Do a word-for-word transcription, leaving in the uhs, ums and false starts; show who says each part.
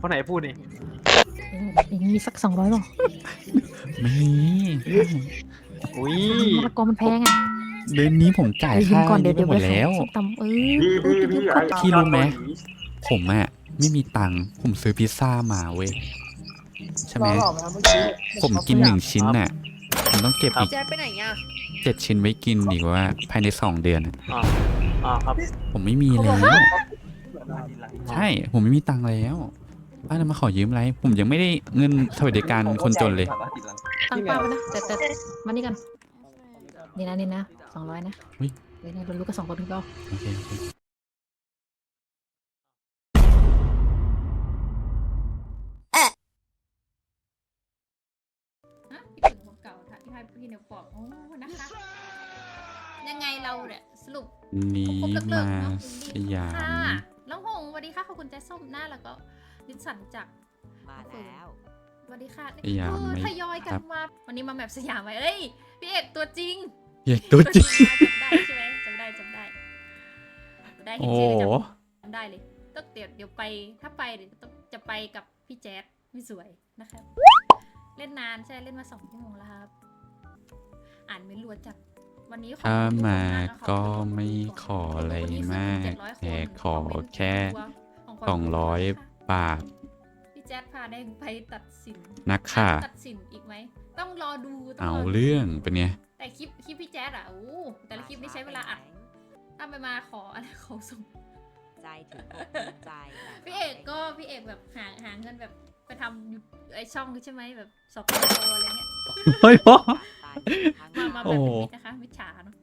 Speaker 1: คนไหนพูดนี่
Speaker 2: อย่างนี้มีสักสองร้อยป่ะ
Speaker 3: ไม่มี
Speaker 1: อุ้ย
Speaker 2: มะละกอมันแพงอ่ะ
Speaker 3: เดือนนี้ผมจ่าย
Speaker 2: ยืม
Speaker 3: ค่า
Speaker 2: ก่อนเดี๋
Speaker 3: นี้
Speaker 2: ยว
Speaker 3: ไป
Speaker 2: เดี๋ยว
Speaker 3: หมดแล้ว
Speaker 2: ส้มตำเออ
Speaker 1: พี่
Speaker 2: เอ
Speaker 1: พี่
Speaker 2: อ
Speaker 1: พี่
Speaker 2: ยืม
Speaker 1: ไอ้
Speaker 2: ก่อน
Speaker 3: พี่รู้ไหม
Speaker 1: ยอดเกาลี
Speaker 3: ผมอะไม่มีตังค์ผมซื้อพิซซ่ามาเว้ยใช่ไหม
Speaker 4: รอหรอเมื่อกี้
Speaker 3: ผมกินหนึ่งชิ้นน่ะผมต้องเก็บอีก
Speaker 5: แจ๊ดไปไหนอ่ะ
Speaker 3: เจ็ดชิ้นไว้กินอีกว่าภายในสองเดือนอะ
Speaker 1: อ่าอ่าครับ
Speaker 3: ผมไม่มีแล้ว ใช่ ผมไม่มีตังค์แล้วป้าจะมาขอยืมอะไร ผมยังไม่ได้เงินสวัสดิการคนจนเลย
Speaker 2: ตั้งเป้าไว้นะแต่แต่มานี่กันนี่นะนี่นะสองร้อยนะ
Speaker 3: อุ๊ย
Speaker 2: เดี๋ยวนะเรารู้กันสองคนถึงเปล่า
Speaker 3: โอเคโอเค
Speaker 6: ฮะพี่ถึงของเก่าค่ะที่ให้พี่เนี่ยบอกโอ้นะคะ ยังไงเราเนี่ยสรุป
Speaker 3: นี่
Speaker 6: ครบเลิกเลิ
Speaker 3: มาก
Speaker 6: เนาะ
Speaker 3: สยา
Speaker 6: ค่ะ
Speaker 3: ม
Speaker 6: น้องหงสวัสดีค่ะขอบคุณแจ๊ส้มหน้าแล้วก็ดิสันจาก
Speaker 5: มาแล้ว
Speaker 6: สวัสดีค่ะ
Speaker 3: สยาม
Speaker 6: เออ
Speaker 3: ไม่
Speaker 6: ทยอยกันมาวันนี้มาแบบสยามไว้เอ้ยพี่เอกตัวจริง
Speaker 3: เย้ตัวจริง
Speaker 6: จำได้ใช่ไหมจำได้จำได้จำได้เห็น
Speaker 3: โอ้
Speaker 6: ชื่อ
Speaker 3: โห
Speaker 6: จำได้เลยต้องเดี๋ยวเดี๋ยวไปถ้าไปเดี๋ยวต้องจะไปกับพี่แจ๊ดพี่สวยนะครับ เล่นนานใช่เล่นมาสองชั่วโมงแล้วครับ อ่านไม่รัวจัดวันนี้ขอบ
Speaker 3: ถ้า
Speaker 6: คุณทุกคน
Speaker 3: มา
Speaker 6: ากนะคะ
Speaker 3: ก็ไม่ขออะไรมากแต่ขอแค่สองร้อยบาท
Speaker 6: พี่แจ๊ดพาแดงไปตัดสิน
Speaker 3: นักค่ะ
Speaker 6: ตัดสินอีกไหมต้องรอดูต้
Speaker 3: เอา
Speaker 6: งรดู
Speaker 3: เรื่องเป็นไง
Speaker 6: แต่คลิปคลิปพี่แจ๊ดอะโอ้แต่ละคลิปนี่ใช้เวลาอัดถ้าไปมาขออะไรของส่ง
Speaker 5: ใจถึงอกถึงใจ
Speaker 6: พี่เอกก็พี่เอกแบบหาหาเงินแบบไปทำไอช่องใช่ไหมแบบสอบโอะไรเงี้ย
Speaker 3: เฮ้ยพ่อ
Speaker 6: มามาแบ
Speaker 3: โอ้
Speaker 6: บมิดนะคะมิจฉาเนาะ